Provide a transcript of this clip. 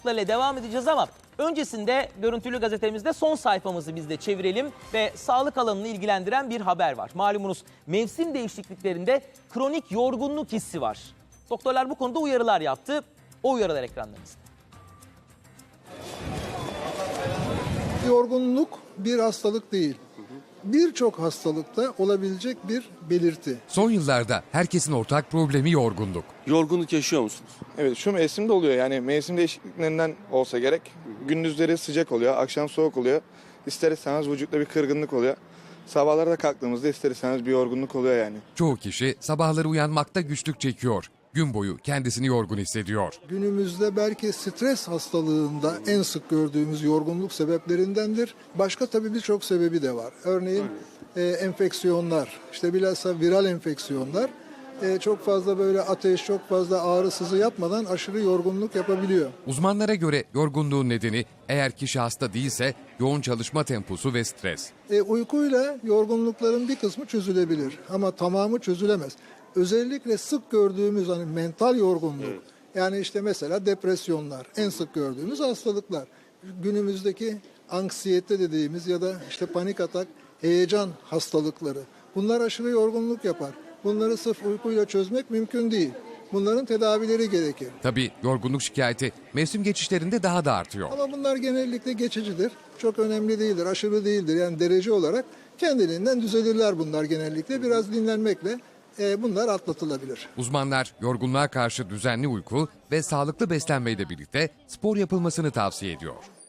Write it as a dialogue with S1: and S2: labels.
S1: ile devam edeceğiz ama öncesinde görüntülü gazetemizde son sayfamızı biz de çevirelim ve sağlık alanını ilgilendiren bir haber var. Malumunuz mevsim değişikliklerinde kronik yorgunluk hissi var. Doktorlar bu konuda uyarılar yaptı. O uyarılar ekranlarınızda.
S2: Yorgunluk bir hastalık değil. Birçok hastalıkta olabilecek bir belirti.
S3: Son yıllarda herkesin ortak problemi yorgunluk.
S4: Yorgunluk yaşıyor musunuz?
S5: Evet, şu mevsimde oluyor, yani mevsim değişikliklerinden olsa gerek. Gündüzleri sıcak oluyor, akşam soğuk oluyor. İster istemez vücutta bir kırgınlık oluyor. Sabahlara da kalktığımızda ister istemez bir yorgunluk oluyor yani.
S3: Çoğu kişi sabahları uyanmakta güçlük çekiyor. Gün boyu kendisini yorgun hissediyor.
S2: Günümüzde belki stres hastalığında en sık gördüğümüz yorgunluk sebeplerindendir. Başka tabii birçok sebebi de var. Örneğin enfeksiyonlar, işte bilhassa viral enfeksiyonlar çok fazla böyle ateş, çok fazla ağrı sızı yapmadan aşırı yorgunluk yapabiliyor.
S3: Uzmanlara göre yorgunluğun nedeni eğer kişi hasta değilse yoğun çalışma temposu ve stres.
S2: Uykuyla yorgunlukların bir kısmı çözülebilir ama tamamı çözülemez. Özellikle sık gördüğümüz hani mental yorgunluk, yani işte mesela depresyonlar en sık gördüğümüz hastalıklar. Günümüzdeki anksiyete dediğimiz ya da işte panik atak, heyecan hastalıkları. Bunlar aşırı yorgunluk yapar. Bunları sırf uykuyla çözmek mümkün değil. Bunların tedavileri gerekir.
S3: Tabii yorgunluk şikayeti mevsim geçişlerinde daha da artıyor.
S2: Ama bunlar genellikle geçicidir. Çok önemli değildir, aşırı değildir. Yani derece olarak kendiliğinden düzelirler bunlar genellikle. Biraz dinlenmekle bunlar atlatılabilir.
S3: Uzmanlar yorgunluğa karşı düzenli uyku ve sağlıklı beslenmeyle birlikte spor yapılmasını tavsiye ediyor.